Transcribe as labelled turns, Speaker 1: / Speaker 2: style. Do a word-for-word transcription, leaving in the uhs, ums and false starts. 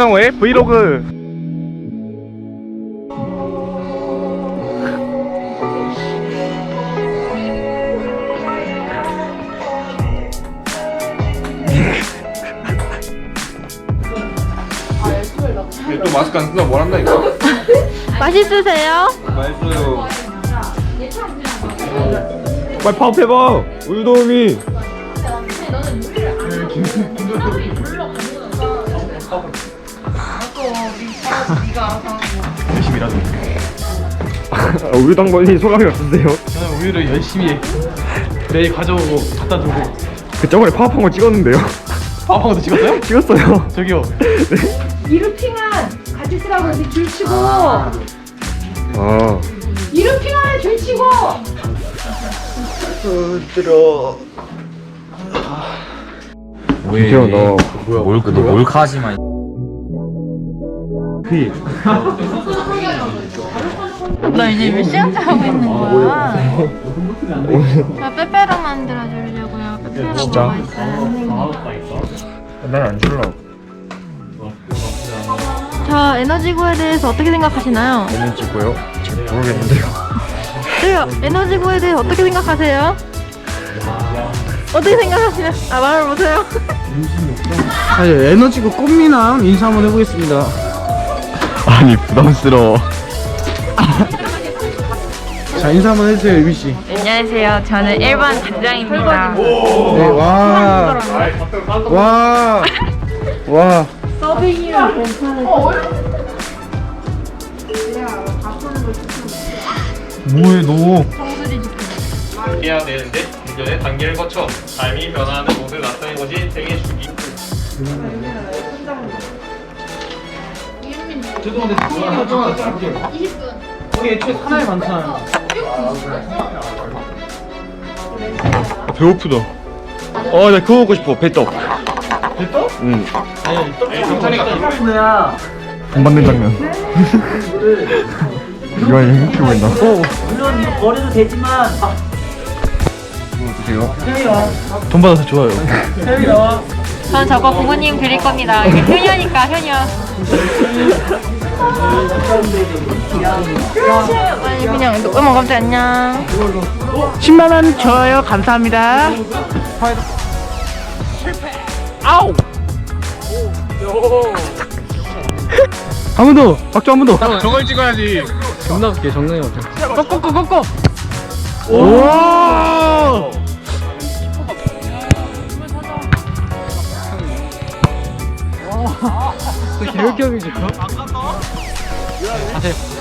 Speaker 1: 왜 브이로그
Speaker 2: 또 마스크 안 쓴다고 뭘 한다니까?
Speaker 3: 맛있으세요?
Speaker 2: 맛있어요.
Speaker 1: 빨리 파업해봐 우유도우미.
Speaker 2: 열심히 일하죠.
Speaker 1: 우유당번이 소감이 어떠세요?
Speaker 2: 저는 우유를 열심히 내일 가져오고 갖다 두고.
Speaker 1: 그 저번에 파업한 거 찍었는데요.
Speaker 2: 파업한 것도 찍었어요?
Speaker 1: 찍었어요.
Speaker 2: 저기요.
Speaker 4: 이루핑한 같이 쓰라고 이렇게 줄 치고
Speaker 1: 아
Speaker 4: 이루핑한 줄 치고
Speaker 1: 들어.
Speaker 5: 뭐야
Speaker 1: 너
Speaker 5: 몰, 너 몰카하지마.
Speaker 1: 피.
Speaker 3: 너 이제 몇 시간째 하고 있는 거야? 저 빼빼로 만들어 주려고요. 빼빼로가
Speaker 1: 진짜?
Speaker 3: 맛있어요.
Speaker 1: 난 안 줄라고.
Speaker 3: 자, 에너지고에 대해서 어떻게 생각하시나요?
Speaker 1: 얘는 찍고요. 잘 모르겠는데요.
Speaker 3: 그래요. 에너지고에 대해서 어떻게 생각하세요? 어떻게 생각하시나요? 아, 말을 못해요.
Speaker 6: 아, 예, 에너지고 꽃미남 인사 한번 해보겠습니다.
Speaker 1: 아니 부담스러워.
Speaker 6: 자, 인사 한번 해주세요, 유비씨.
Speaker 3: 안녕하세요. 저는 일 번 단장입니다.
Speaker 6: 네, 와. 와. 와.
Speaker 1: 뭐해 너?
Speaker 2: 해야 되는데 운전의 단계를 거쳐 삶이 변화하는 모습을 나타낸 것이 생애 주기.
Speaker 6: 거기 애초에 사나이 많잖아요.
Speaker 1: 아, 배고프다. 어, 나 그거 먹고 싶어. 배떡.
Speaker 6: 됐어?
Speaker 1: 응.
Speaker 2: 경찰이가
Speaker 6: 뭐야?
Speaker 1: 돈 받는 장면. 이거 흉키고 있나? 어.
Speaker 6: 물론 이거 버려도 되지만.
Speaker 1: 이거 드세요.
Speaker 6: 태이 나와.
Speaker 1: 돈 받아서 좋아요.
Speaker 6: 태이 나와.
Speaker 3: 전 저거 부모님 드릴 겁니다. 이게 효녀니까 효녀. 아니 그냥 음악 감자 안녕.
Speaker 6: 십만 원 줘요. 감사합니다.
Speaker 1: 아우.
Speaker 6: 한 번 더. 박수 한 번 더.
Speaker 2: 저걸 찍어야지.
Speaker 6: 존나 웃겨. 정상이 없죠.
Speaker 1: 꺼꺼꺼 꺼꺼.
Speaker 6: 오. 이렇게 하면 좋다.
Speaker 2: 안 갔다?
Speaker 6: 가세요.